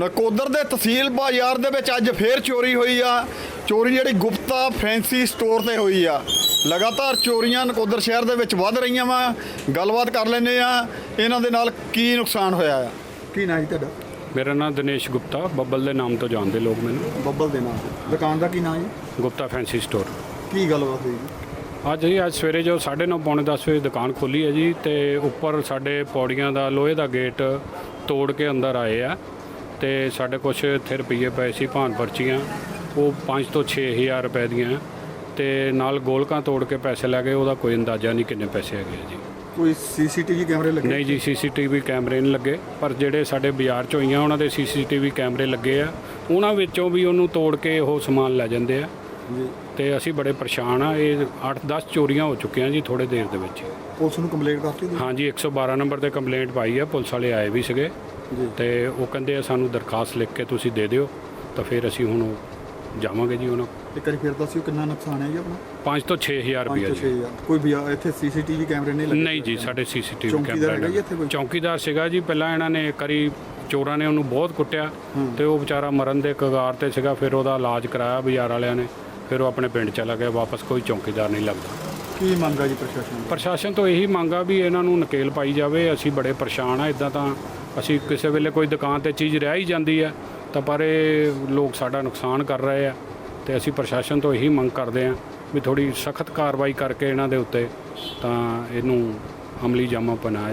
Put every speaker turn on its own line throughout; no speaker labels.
ਨਕੋਦਰ ਦੇ ਤਹਿਸੀਲ ਬਾਜ਼ਾਰ ਦੇ ਵਿੱਚ ਅੱਜ ਫੇਰ ਚੋਰੀ ਹੋਈ ਆ। ਚੋਰੀ ਜਿਹੜੀ ਗੁਪਤਾ ਫੈਂਸੀ ਸਟੋਰ ਤੇ ਹੋਈ ਆ। ਲਗਾਤਾਰ ਚੋਰੀਆਂ ਨਕੋਦਰ ਸ਼ਹਿਰ ਦੇ ਵਿੱਚ ਵੱਧ ਰਹੀਆਂ ਵਾ। ਗੱਲਬਾਤ ਕਰ ਲੈਂਦੇ ਆ ਇਹਨਾਂ ਦੇ ਨਾਲ ਕੀ ਨੁਕਸਾਨ ਹੋਇਆ ਆ। ਕੀ ਨਾਂ ਜੀ ਤੁਹਾਡਾ?
ਮੇਰਾ ਨਾਮ ਦਿਨੇਸ਼ ਗੁਪਤਾ, ਬੱਬਲ ਦੇ ਨਾਮ ਤੋਂ ਜਾਣਦੇ ਲੋਕ ਮੈਨੂੰ।
ਬੱਬਲ ਦੇ ਨਾਮ ਤੇ ਦੁਕਾਨ ਦਾ ਕੀ ਨਾਂ ਜੀ?
Gupta fancy store.
ਕੀ ਗੱਲਬਾਤ ਹੋਈ ਜੀ?
ਅੱਜ ਸਵੇਰੇ ਜੋ 9:30 ਪੌਣੇ 10 ਵਜੇ ਦੁਕਾਨ ਖੋਲੀ ਹੈ ਜੀ, ਤੇ ਉੱਪਰ ਸਾਡੇ ਪੌੜੀਆਂ ਦਾ ਲੋਹੇ ਦਾ ਗੇਟ ਤੋੜ ਕੇ ਅੰਦਰ ਆਏ ਆ। ਤੇ ਸਾਡੇ ਕੁਛ ਇੱਥੇ ਰੁਪਈਏ ਪਏ ਸੀ, ਭਾਨ ਪਰਚੀਆਂ, ਉਹ 5 ਤੋਂ 6 ਹਜ਼ਾਰ ਰੁਪਏ ਦੀਆਂ, ਤੇ ਨਾਲ ਗੋਲਕਾਂ ਤੋੜ ਕੇ ਪੈਸੇ ਲੈ ਗਏ। ਉਹਦਾ ਕੋਈ ਅੰਦਾਜ਼ਾ ਨਹੀਂ ਕਿੰਨੇ ਪੈਸੇ ਹੈਗੇ ਜੀ।
ਕੋਈ ਸੀਸੀਟੀਵੀ ਕੈਮਰੇ ਲੱਗੇ?
ਨਹੀਂ ਜੀ, ਸੀਸੀਟੀਵੀ ਕੈਮਰੇ ਨਹੀਂ ਲੱਗੇ, ਪਰ ਜਿਹੜੇ ਸਾਡੇ ਬਾਜ਼ਾਰ 'ਚ ਹੋਈਆਂ ਉਹਨਾਂ ਦੇ ਸੀਸੀਟੀਵੀ ਕੈਮਰੇ ਲੱਗੇ ਆ। ਉਹਨਾਂ ਵਿੱਚੋਂ ਵੀ ਉਹਨੂੰ ਤੋੜ ਕੇ ਉਹ ਸਮਾਨ ਲੈ ਜਾਂਦੇ ਆ
ਜੀ।
ਤੇ ਅਸੀਂ ਬੜੇ ਪਰੇਸ਼ਾਨ ਆ। ਇਹ 8-10 ਚੋਰੀਆਂ ਹੋ ਚੁੱਕੀਆਂ ਜੀ ਥੋੜੇ ਦੇਰ ਦੇ ਵਿੱਚ।
ਪੁਲਿਸ ਨੂੰ ਕੰਪਲੇਂਟ ਕਰਤੀ ਜੀ?
ਹਾਂਜੀ, 112 ਨੰਬਰ ਤੇ ਕੰਪਲੇਂਟ ਪਾਈ ਆ। ਪੁਲਿਸ ਵਾਲੇ ਆਏ ਵੀ ਸੀਗੇ
ਜੀ।
ਤੇ ਉਹ ਕਹਿੰਦੇ ਆ ਸਾਨੂੰ ਦਰਖਾਸਤ ਲਿਖ ਕੇ ਤੁਸੀਂ ਦੇ ਦਿਓ, ਤਾਂ ਫਿਰ ਅਸੀਂ ਹੁਣ ਜਾਵਾਂਗੇ ਜੀ ਉਹਨਾਂ।
ਇੱਕ ਵਾਰੀ ਫਿਰ ਦੱਸਿਓ ਕਿੰਨਾ ਨੁਕਸਾਨ ਹੈ ਜੀ ਆਪਣਾ?
5 ਤੋਂ 6 ਹਜ਼ਾਰ ਰੁਪਇਆ ਜੀ।
ਕੋਈ ਵੀ ਇੱਥੇ ਸੀਸੀਟੀਵੀ ਕੈਮਰੇ ਨਹੀਂ ਲੱਗੇ?
ਨਹੀਂ ਜੀ, ਸਾਡੇ ਸੀਸੀਟੀਵੀ
ਚੌਂਕੀਦਾਰ ਹੈਗਾ ਜੀ
ਕੈਮਰਾ
ਇੱਥੇ ਕੋਈ?
ਚੌਂਕੀਦਾਰ ਸੀਗਾ ਜੀ। ਪਹਿਲਾਂ ਇਹਨਾਂ ਨੇ ਇੱਕ ਵਾਰੀ ਚੋਰਾਂ ਨੇ ਉਹਨੂੰ ਬਹੁਤ ਕੁੱਟਿਆ ਤੇ ਉਹ ਵਿਚਾਰਾ ਮਰਨ ਦੇ ਕਗਾਰ ਤੇ ਸੀਗਾ। ਫਿਰ ਉਹਦਾ ਇਲਾਜ ਕਰਾਇਆ ਬਾਜ਼ਾਰ ਵਾਲਿਆਂ ਨੇ, ਫਿਰ ਉਹ ਆਪਣੇ ਪਿੰਡ ਚਲਾ ਗਿਆ ਵਾਪਸ। ਕੋਈ ਚੌਂਕੀਦਾਰ ਨਹੀਂ ਲੱਗਦਾ।
ਕੀ ਮੰਗ ਆ ਜੀ
ਪ੍ਰਸ਼ਾਸਨ ਤੋਂ ਇਹੀ ਮੰਗ ਆ ਵੀ ਇਹਨਾਂ ਨੂੰ ਨਕੇਲ ਪਾਈ ਜਾਵੇ। ਅਸੀਂ ਬੜੇ ਪਰੇਸ਼ਾਨ ਆ। ਇਦਾਂ ਤਾਂ ਅਸੀਂ ਕਿਸੇ ਵੇਲੇ ਕੋਈ ਦੁਕਾਨ ਤੇ ਚੀਜ਼ ਰਹਿ ਹੀ ਜਾਂਦੀ ਆ, ਤਾਂ ਪਰ ਇਹ ਲੋਕ ਸਾਡਾ ਨੁਕਸਾਨ ਕਰ ਰਹੇ ਆ। ਤੇ ਅਸੀਂ ਪ੍ਰਸ਼ਾਸਨ ਤੋਂ ਇਹੀ ਮੰਗ ਕਰਦੇ ਆ ਵੀ ਥੋੜੀ ਸਖਤ ਕਾਰਵਾਈ ਕਰਕੇ ਇਹਨਾਂ ਦੇ ਉੱਤੇ ਤਾਂ ਇਹਨੂੰ ਅਮਲੀ ਜਾਮਾ ਬਣਾਇਆ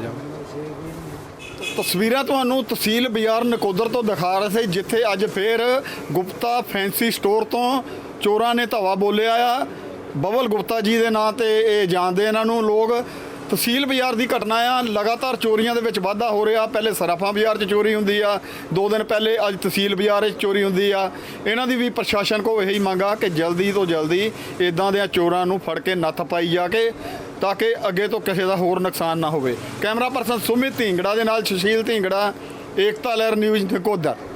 ਜਾਵੇ।
ਤਸਵੀਰਾਂ ਤੁਹਾਨੂੰ ਤਹਿਸੀਲ ਬਾਜ਼ਾਰ ਨਕੋਦਰ ਤੋਂ ਦਿਖਾ ਰਹੇ ਸੀ, ਜਿੱਥੇ ਅੱਜ ਫੇਰ ਗੁਪਤਾ ਫੈਂਸੀ ਸਟੋਰ ਤੋਂ ਚੋਰਾਂ ਨੇ ਧਾਵਾ ਬੋਲਿਆ ਆ। ਬੱਬਲ ਗੁਪਤਾ ਜੀ ਦੇ ਨਾਂ ਤੇ ਇਹ ਜਾਣਦੇ ਇਹਨਾਂ ਨੂੰ ਲੋਕ। ਤਹਿਸੀਲ ਬਾਜ਼ਾਰ ਦੀ ਘਟਨਾ ਆ। ਲਗਾਤਾਰ ਚੋਰੀਆਂ ਦੇ ਵਿੱਚ ਵਾਧਾ ਹੋ ਰਿਹਾ। ਪਹਿਲੇ ਸਰਾਫਾਂ ਬਾਜ਼ਾਰ 'ਚ ਚੋਰੀ ਹੁੰਦੀ ਆ, 2 ਦਿਨ ਪਹਿਲੇ ਅੱਜ ਤਹਿਸੀਲ ਬਾਜ਼ਾਰ 'ਚ ਚੋਰੀ ਹੁੰਦੀ ਆ। ਇਹਨਾਂ ਦੀ ਵੀ ਪ੍ਰਸ਼ਾਸਨ ਕੋਲ ਇਹੀ ਮੰਗ ਆ ਕਿ ਜਲਦੀ ਤੋਂ ਜਲਦੀ ਇਦਾਂ ਦੇ ਚੋਰਾਂ ਨੂੰ ਫੜ ਕੇ ਨੱਥ ਪਾਈ ਜਾ ਕੇ, ਤਾਂ ਕਿ ਅੱਗੇ ਤੋਂ ਕਿਸੇ ਦਾ ਹੋਰ ਨੁਕਸਾਨ ਨਾ ਹੋਵੇ। ਕੈਮਰਾ ਪਰਸਨ ਸੁਮਿਤ ਢੀਂਗੜਾ ਦੇ ਨਾਲ ਸੁਸ਼ੀਲ ਢੀਂਗੜਾ, ਏਕਤਾ ਲਹਿਰ ਨਿਊਜ਼ ਨਕੋਦਰ।